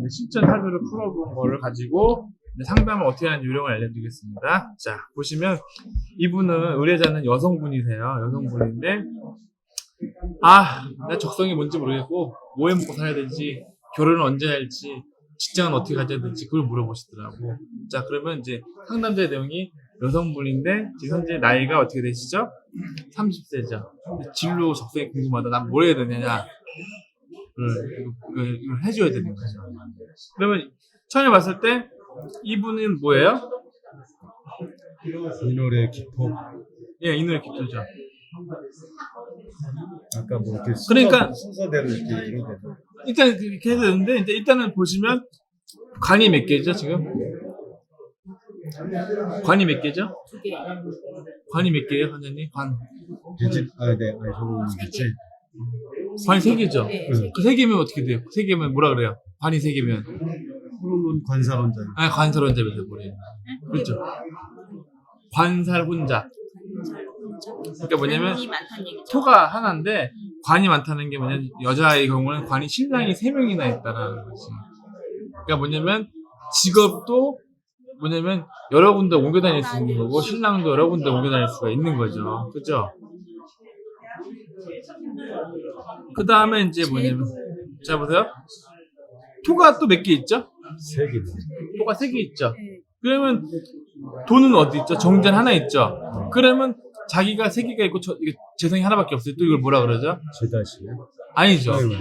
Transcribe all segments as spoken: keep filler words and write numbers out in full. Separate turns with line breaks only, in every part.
이제 실전 사주를 풀어본 거를 가지고 이제 상담을 어떻게 하는 요령을 알려드리겠습니다. 자, 보시면 이분은 의뢰자는 여성분이세요. 여성분인데 아, 나 적성이 뭔지 모르겠고 뭐 해 먹고 살아야 될지, 결혼을 언제 할지, 직장은 어떻게 가져야 될지 그걸 물어보시더라고. 자, 그러면 이제 상담자의 내용이 여성분인데 지금 현재 나이가 어떻게 되시죠? 삼십 세죠. 진로 적성이 궁금하다. 난 뭘 해야 되느냐. 이걸, 이걸 해줘야 되는 거죠. 그러면 처음에 봤을 때 이분은 뭐예요?
이 노래 기포.
예, 이 노래 기초죠.
아까 뭐 이렇게
그러니까
순서, 순서대로 이렇게 이렇게.
일단 그렇게 해야 되는데 이제 일단은 보시면 관이 몇 개죠 지금? 관이 몇 개죠?
두 개.
관이 몇 개예요, 선생님? 관.
비지 아, 네, 아니 저거 있지.
관이 세 개죠?
네,
응.
그 세 개면 어떻게 돼요? 세 개면 뭐라 그래요? 관이 세 개면.
그러면 관사론자.
아, 관살혼자 돼버려요. 그렇죠. 관살 혼자. 그러니까 뭐냐면
관이 많다는 얘기죠.
토가 하나인데 관이 많다는 게 뭐냐면 여자의 경우는 관이 신랑이 세 명이나 있다라는 거지. 그러니까 뭐냐면 직업도 뭐냐면 여러 군데 옮겨 다닐 수 있는 거고 신랑도 여러 군데 옮겨 다닐 수가 있는 거죠. 그죠? 그 다음에 이제 뭐냐면 자 보세요. 토가 또 몇 개 있죠?
세 개.
토가 세 개 있죠.
네.
그러면 돈은 어디 있죠? 정전 하나 있죠. 그러면 자기가 세 개가 있고 저, 이게 재성이 하나밖에 없어요. 또 이걸 뭐라 그러죠?
제다시요.
아니죠.
아이고.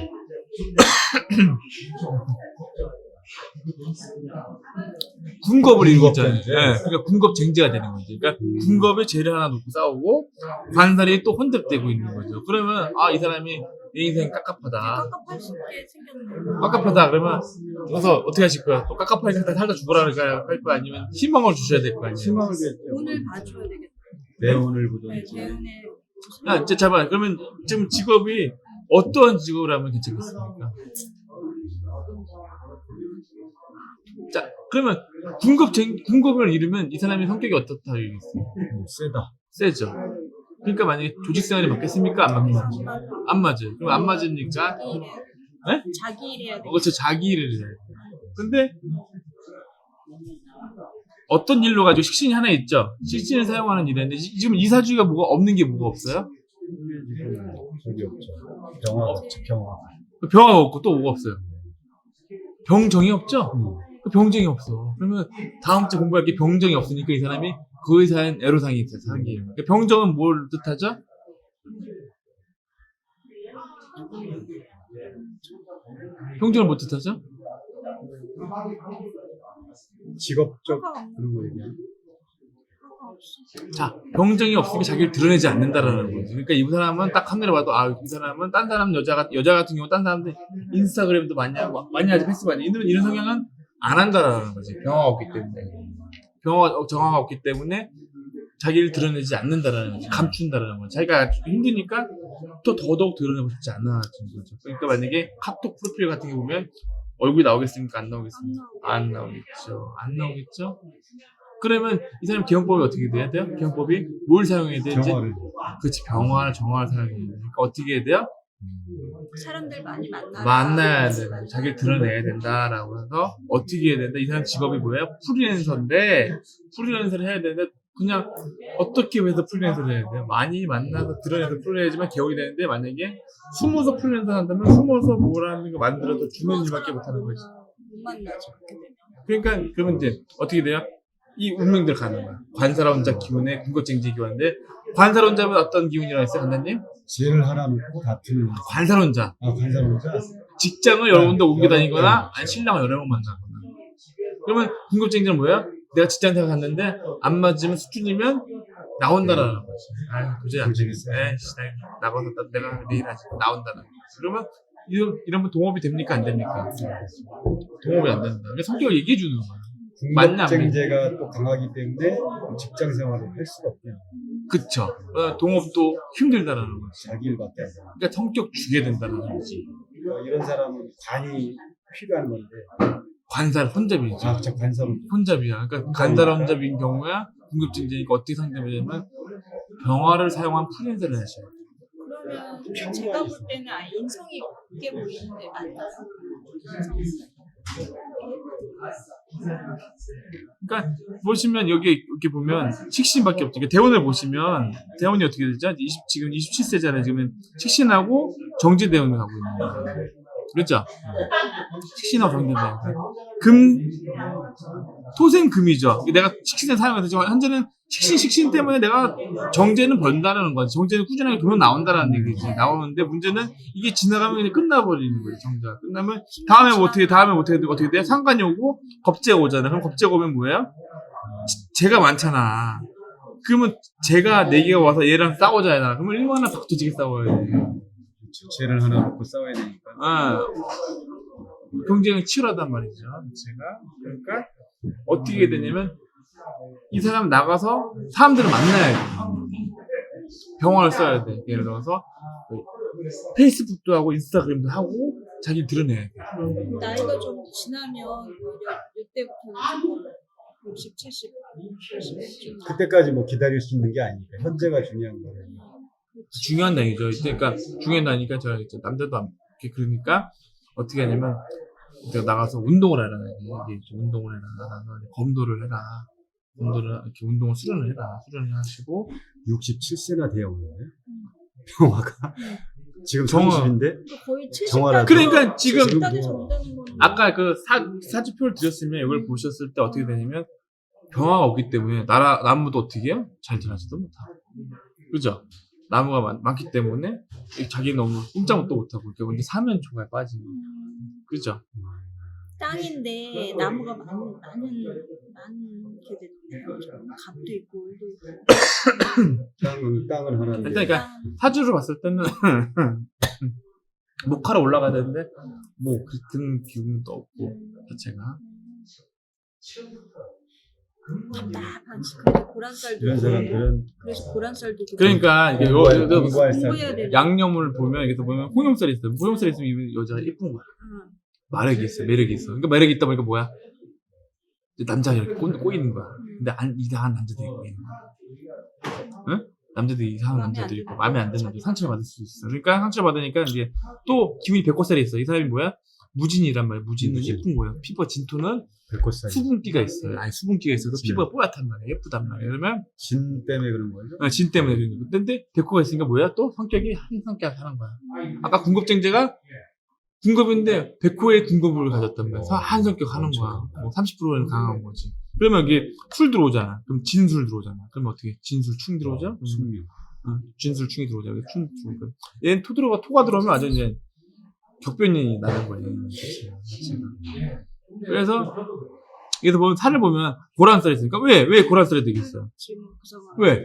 군겁을 이루고 있잖아요.
군겁쟁제.
네, 그러니까 군겁쟁제가 되는 거죠. 그러니까 군겁에 죄를 하나 놓고 싸우고 관살이 또 혼잡되고 있는 거죠. 그러면 아, 이 사람이 내 인생 깝깝하다.
깝깝할 수 있게 생겼네요.
깝깝하다 그러면 그래서 어떻게 하실 거야? 또 깝깝하니까 살다 죽어라 할까요? 할 거 아니면 희망을 주셔야 될 거 아니에요?
희망을
돈을 봐줘야 되겠다.
내 오늘
네,
보든지.
대운에
야, 이제 잠깐 그러면 지금 직업이 어떠한 직업을 하면 괜찮겠습니까? 자, 그러면 군급 군급을 이루면 이 사람의 성격이 어떻다 얘기했어요?
뭐 세다.
세죠. 그러니까 만약에 조직 생활이 맞겠습니까? 안 맞겠습니까? 안 맞아요. 그럼 안 맞으니까
자기 일에
네?
자기 일 해야 돼.
그렇죠. 자기 일을 해요. 근데 어떤 일로 가지고 식신이 하나 있죠. 식신을 사용하는 일인데 지- 지금 이사주가 뭐가 없는 게 뭐가 없어요?
저기 없죠. 병화 없죠. 병화.
병화가 없고 또 뭐가 없어요? 병정이 없죠?
음.
그 병정이 없어. 그러면 다음 주 공부할 게 병정이 없으니까 이 사람이 그 의사엔 애로사항이 있어요. 사항이. 그러니까 병정은 뭘 뜻하죠? 병정을 뭐 뜻하죠?
직업적 그런 거 얘기야.
자, 병정이 없으니까 자기를 드러내지 않는다라는 거죠. 그러니까 이 사람은 딱 카메라 봐도 아, 이 사람은 딴 사람 여자가 여자 같은 경우 딴 사람들 인스타그램도 많이 하고 많이 하지 페이스북 많이 이런 이런 성향은 안 한다라는 거지. 병화가 없기 때문에 병화 정화가 없기 때문에 자기를 드러내지 않는다라는 거지. 감춘다라는 거지. 자기가 힘드니까 또 더더욱 드러내고 싶지 않아지는 거죠. 그러니까 만약에 카톡 프로필 같은 게 보면 얼굴이 나오겠습니까? 안 나오겠습니까? 안 나오겠죠. 안 나오겠죠. 그러면 이 사람 기형법이 어떻게 돼야 돼요? 기형법이 뭘 사용해야 되지?
병화를.
그렇지, 병화나 정화를 사용해야 돼요. 그러니까 어떻게 해야 돼요?
사람들 많이 만나.
만나야 돼. 자기를 드러내야 된다라고 해서 어떻게 해야 된다? 이 사람 직업이 뭐예요? 프리랜서인데 프리랜서를 해야 되는데 그냥 어떻게 해서 프리랜서를 해야 돼요? 많이 만나서 드러내서 프리랜서지만 개혁이 되는데 만약에 숨어서 프리랜서 한다면 숨어서 뭐라는 거 만들어서 주는 일밖에 못하는 거지.
못 만나죠. 그렇게 되면.
그러니까 그러면 이제 어떻게 돼요? 이 운명들 가는 거야. 관사론자 기운에 군것쟁지 기운인데 관사론자면 어떤 기운이라고 했어요, 간단님?
제일 하나 놓고 같은.
관사론자.
아, 관사론자.
직장을 여러 군데 옮겨 다니거나 아니 신랑을 여러 번 만나거나. 그러면 군것쟁지는 뭐야? 내가 직장 생활 갔는데 안 맞으면 수준이면 나온다라는 거지. 아유, 도저히 안 되겠어. 에이씨, 나 나가서 나- 내가 내일 하지. 나온다는 거지. 그러면 이런, 이러면 동업이 됩니까? 안 됩니까? 동업이 안 된다. 그러니까 성격을 얘기해 주는 거야. 맞냐, 안
군것쟁제가 또 강하기 때문에 직장 생활을 할 수가 없대요.
그쵸. 어, 동업도 힘들다라는 거지.
자기 일밖에 안 돼.
그러니까 성격 주게 된다는 거지.
그러니까 이런 사람은 관이 필요한 건데.
관살 혼잡이지.
아, 저 관사론.
혼잡이야. 그러니까 간살 혼잡인 경우야 공급증제니까 어떻게 상대하냐면 병화를 사용한 프리랜서를 하셔야 돼.
그러면 제가 볼 때는 아예 인성이 없게 보이는데 맞나요?
그러니까 보시면 여기 이렇게 보면 식신밖에 없죠. 그러니까 대운을 보시면 대운이 어떻게 되죠? 이십, 지금 이십칠 세잖아요. 지금 식신하고 정제 대운을 가고 있는 거예요. 그렇죠? 식신하고 정제 대운. 금 토생 금이죠. 내가 식신을 사용해서 지금 현재는 식신 식신 때문에 내가 정제는 번다라는 거지. 정제는 꾸준하게 돈은 나온다라는 얘기지. 나오는데 문제는 이게 지나가면 그냥 끝나버리는 거예요. 정제가 끝나면 다음에 뭐 어떻게 다음에 뭐 어떻게 돼? 어떻게 돼? 상관이 오고 겁재가 오잖아. 그럼 겁재가 오면 뭐예요? 재가 많잖아. 그러면 재가 네 개가 와서 얘랑 싸우잖아. 그러면 얼마나 박두지게 싸워야 돼.
죄를 하나 놓고 싸워야 되니까.
아, 경쟁이 치열하단 말이죠. 제가 그러니까 어떻게 되냐면 이 사람 나가서 사람들을 만나야 돼. 병원을 써야 돼. 예를 들어서 페이스북도 하고 인스타그램도 하고 자기 드러내야 돼.
나이가 좀 지나면 오히려 이때부터 육십, 칠십, 팔십
그때까지 뭐 기다릴 수 있는 게 아니니까 현재가 중요한 거예요.
중요한 나이죠. 그러니까 중요한 나이니까 제가 이제 남자도 안 이렇게 그러니까 어떻게 하냐면 내가 나가서 운동을 해라. 이게 좀 운동을 해라. 검도를 해라. 검도를 이렇게 운동을 수련을 해라. 수련을 하시고
육십칠 세나 되어 오는데 병화가 지금
정화.
삼십인데
거의 칠십
정화라도.
그러니까 지금
칠십단에서 온다는 거는
아까 그 사, 사주표를 드렸으면 이걸 보셨을 때 어떻게 되냐면 병화가 없기 때문에 나라, 나무도 어떻게 해요? 잘 자라지도 못하고. 그죠? 나무가 많, 많기 때문에 자기는 너무 꼼짝도 못하고 이렇게 근데 사면초가 빠지는 거예요. 그죠?
땅인데 나무가 많, 많은 많게 됐네요. 갑도 있고 울도 있고.
땅은 땅은 하나인데
일단 그러니까 사주를 봤을 때는 목화로 올라가야 되는데 뭐 그런 기운도 없고 자체가
답답하지. 그래서 고란쌀도
이런 사람들은
그래서 고란쌀도
그러니까 이게 요,
공부할,
요, 요
공부할
공부해야
사람
돼.
양념을 보면 여기서 보면 홍용살이 있어요. 홍용살이 있으면 이 여자가 예쁜 거야.
응.
매력이 있어, 매력이 있어. 그러니까 매력이 있다 보니까 뭐야? 이제 남자가 이렇게 꼬, 꼬이는 거야. 근데 안, 이상한 남자들이 꼬이는 거야. 응? 남자들이 이상한
마음에 안
남자들이 있고
드는
마음에 안 드는 남자 상처를 받을 수 있어. 그러니까 상처를 받으니까 이제 또 기분이 백호살이 있어. 이 사람이 뭐야? 무진이란 말이야. 무진은
무진.
예쁜 거야. 피부가 진토는
백호살
수분기가 있어요. 아니 수분기가 있어서
진.
피부가 뽀얗단 말이야. 예쁘단 말이야. 그러면
진 때문에 그런 거죠?
어, 진 때문에 그런 거. 근데 백호가 있으니까 뭐야? 또 성격이 한 성격 하는 거야. 아까 궁급쟁제가 궁급인데 백호의 궁급을 가졌단 말이야. 한 성격 하는 거야. 뭐 삼십 퍼센트는 강한 거지. 그러면 이게 술 들어오잖아. 그럼 진술 들어오잖아. 그러면 어떻게? 진술 충 들어오죠?
숙명.
응, 진술 충이 들어오죠. 그래서 충 들어오고. 얘는 토 들어가 토가 들어오면 아주 이제 격변이 나는 거예요. 자체가. 그래서 여기서 보면 살을 보면 고란살이 있으니까 왜? 왜 고란살이 되겠어요?
지금 구성하고
왜?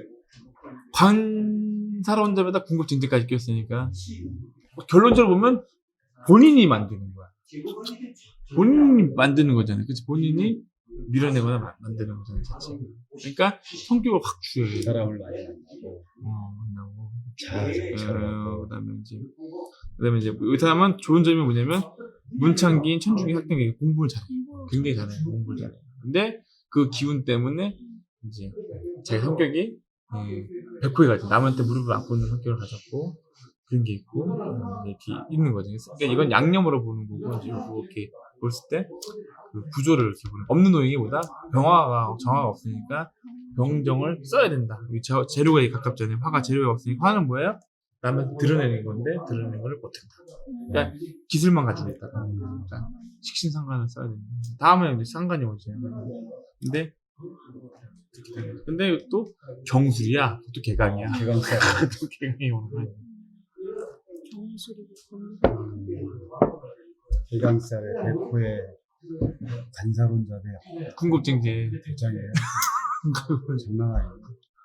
관사론자마다 궁급증제까지 꼈으니까 결론적으로 보면 본인이 만드는 거야. 본인이 만드는 거잖아요. 그치? 본인이 밀어내거나 마- 만드는 거잖아요. 자체가. 그러니까 성격을 확 주여요.
사람을 많이 만나고
어, 만나고.
잘
어, 그다음에 이제 그다음에 이제 이 사람은 좋은 점이 뭐냐면 문창기인 천중기 학생이 공부를 잘해. 굉장히 잘해. 공부를 잘해. 근데 그 기운 때문에 이제 자기 성격이 음, 백호에 가죠. 남한테 무릎을 안 꿇는 성격을 가졌고 그런 게 있고 음, 이렇게 있는 거죠. 그러니까 이건 양념으로 보는 거고 이제 이렇게 봤을 때 그 구조를 이렇게 보는. 없는 노인이보다 병화가 정화가 없으니까 병정을 써야 된다. 이 재- 재료에 가깝잖아요. 화가 재료가 없으니까 화는 뭐예요? 남한테 드러내는 건데 드러내는 걸 못한다. 그러니까 기술만 가지고 있다. 그러니까 식신상관을 써야 된다. 다음에 이제 상관이 오죠. 근데 근데 또 경술이야. 또 개강이야.
개강살
또 개강이 오는 거야.
정수리
개강살에 백호의 관사론자대
궁급증제.
대장이에요. 장난 아니에요.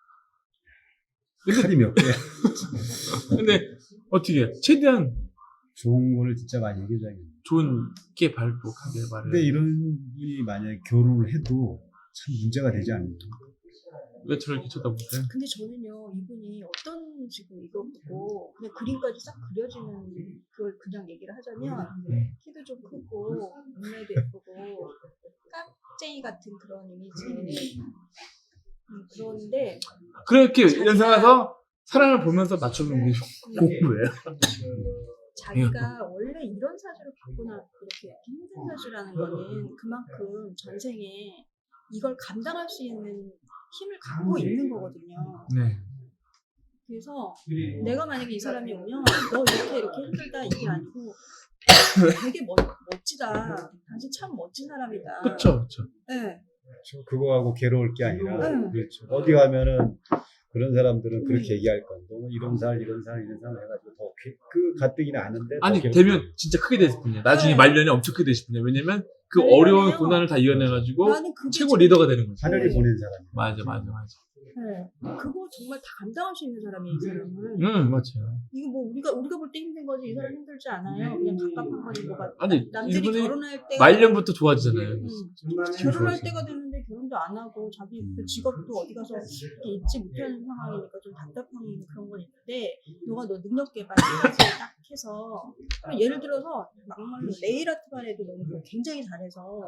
근데-
칼이 몇 개야.
근데 어떻게 해? 최대한
좋은 거를 진짜 많이 얘기해줘야겠네.
좋은 게 발복하게 말을.
근데 이런 분이 만약에 결혼을 해도 참 문제가 되지 않나요?
왜 저를 이렇게 쳐다보세요?
근데 저는요 이분이 어떤 지금 이거 보고 그냥 그림까지 싹 그려지는 그걸 그냥 얘기를 하자면 키도 좀 크고 눈매도 예쁘고 깍쟁이 같은 그런 이미지 음, 그런데
그렇게 연상해서 사람을 보면서 맞춰보는 게 공부예요.
자기가 원래 이런 사주를 받거나 이렇게 힘든 사주라는 거는 그만큼 전생에 이걸 감당할 수 있는 힘을 갖고 있는 거거든요.
네.
그래서 내가 만약에 이 사람이 오면 너 이렇게 이렇게 힘들다 이게 아니고 되게 멋, 멋지다. 당신 참 멋진 사람이다.
그쵸, 그쵸.
네.
그렇죠. 그거하고 괴로울 게 아니라
응.
그렇죠. 어디 가면은 그런 사람들은 그렇게
응.
얘기할 건데 너 이런 살 이런 살 이런 살 해가지고 더 그 가뜩이나 아는데 더
아니,
괴롭고.
되면 진짜 크게 되실 분이야. 나중에
네.
말년이 엄청 크게 되실 분이야. 왜냐면 그
말년이요.
어려운 고난을 다 이겨내가지고
나는 그게
최고
제일-
리더가 되는 거지.
하늘이 보낸 사람.
맞아, 맞아, 맞아.
네. 그거 정말 다 감당할 수 있는 사람이에요, 이 사람은.
응, 맞아요.
이거 뭐 우리가 우리가 볼 때 힘든 거지 이 사람 힘들지 않아요. 그냥 갑갑한 거지 뭐가.
아니,
남들이
이분이
결혼할 때가
말년부터 좋아지잖아요.
응. 결혼할 때가 됐는데 결혼도 안 하고 자기 그 직업도 어디 가서 이렇게 잊지 못하는 상황이니까 좀 답답한 그런 건 있는데 너가 너 능력 개발까지 딱 해서 그럼 예를 들어서 막말로 네일 아트만 해도 너무 굉장히 잘해서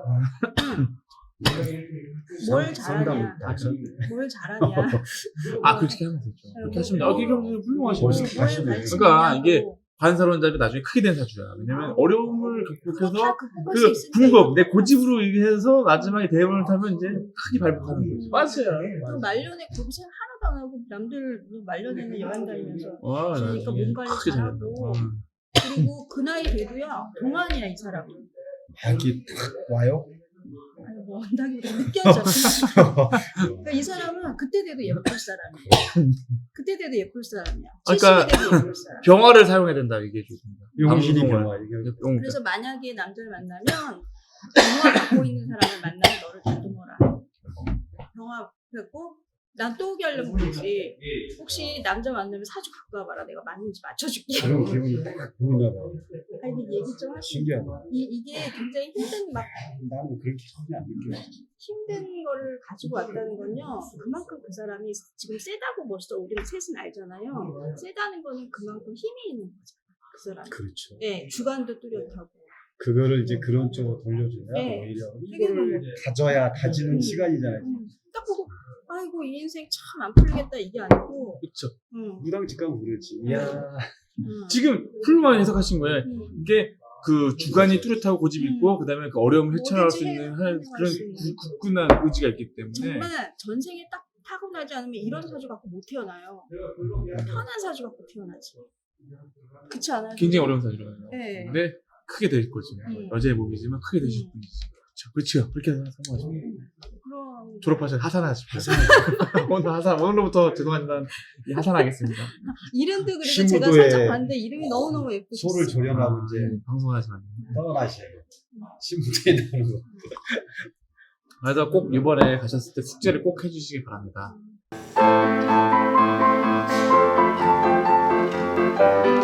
뭘 잘하냐 뭘 잘하냐
아, 그렇게 하면 되죠. 그렇게 하시면, 아, 그렇게 하면 훌륭하시네.
멋있게 하시네.
그러니까 이게 관사론자도 나중에 크게 된 사주야. 왜냐면 어려움을 극복해서
다 극복할
그
수 있으니까
궁극, 내 고집으로 해서 마지막에 대원을 타면 이제 크게 발복하는 거지. 맞아요.
그 말년에 고생 하나도 안 하고 남들 말년에는 여행 다니면서
와,
그러니까
나중에
몸 관리
크게 잘한다.
잘하고.
어.
그리고 그 나이 돼도야 동안이야 이 사람은.
약이 탁 와요?
아니 뭐 한다기보다 느껴져. 그러니까 이 사람은 그때 돼도 예쁠 사람이야. 그때 돼도 예쁠 사람이야.
그러니까
칠십이 돼도 예쁠 사람.
병화를 사용해야 된다 얘기해 줬습니다.
용신이
방송을.
병화 이게
용-
그래서 만약에 남자를 만나면 병화 갖고 있는 사람을 만나면 너를 다듬어라. 병화 갖고 난 또 오게 하려면 그러지. 혹시 남자 만나면 사주 갖고 와봐라. 내가 맞는지 맞춰줄게.
그런 기분이 딱 보이나 봐.
아니 근데 얘기 좀 하시.
신기하다.
이 이게 굉장히 힘든 막
나는 그렇게 전혀 안 느껴.
힘든 거를 가지고 왔다는 건요. 그만큼 그 사람이 지금 세다고 벌써 우리는 셋은 알잖아요. 세다는 거는 그만큼 힘이 있는 거죠. 그 사람.
그렇죠.
네, 주관도 뚜렷하고.
그거를 이제 그런 쪽으로 돌려주면
네.
오히려
되게
이거를
너무-
다져야 다지는
음.
시간이잖아요.
음, 딱 보고 아이고 이 인생 참 안 풀리겠다 이게 아니고.
그쵸.
음,
무당집 가면 그러지. 이야.
음,
지금 훌륭하게 해석하신 거예요.
음.
이게 그 주관이 뚜렷하고 고집이
음.
있고 그다음에 그 어려움을 헤쳐나갈 수
뭐든지
있는
해-
할- 그런
수 있는.
구- 굳건한 의지가 있기 때문에
정말 전생에 딱 타고나지 않으면 이런 사주 갖고 못 태어나요. 편한 사주 갖고 태어나지. 그렇지 않아요?
굉장히 어려운 사주라요.
네.
근데 크게 될 거지.
음.
여자의 몸이지만 크게 되실
음.
분이지. 그렇죠. 그렇죠. 그렇게 생각하시고
그럼
졸업하셔서 하산하십시오. 오늘 하산 오늘부터 죄송하지만 이 하산하겠습니다.
이름도 그래서 제가
신무도에
살짝 봤는데 이름이 너무너무 예쁘셨어요.
소를 조련하고 이제
네, 방송하시면 안 됩니다.
떠나셔요. 신부대에 나오는 거.
그래서 꼭 이번에 가셨을 때 숙제를 꼭 해주시기 바랍니다.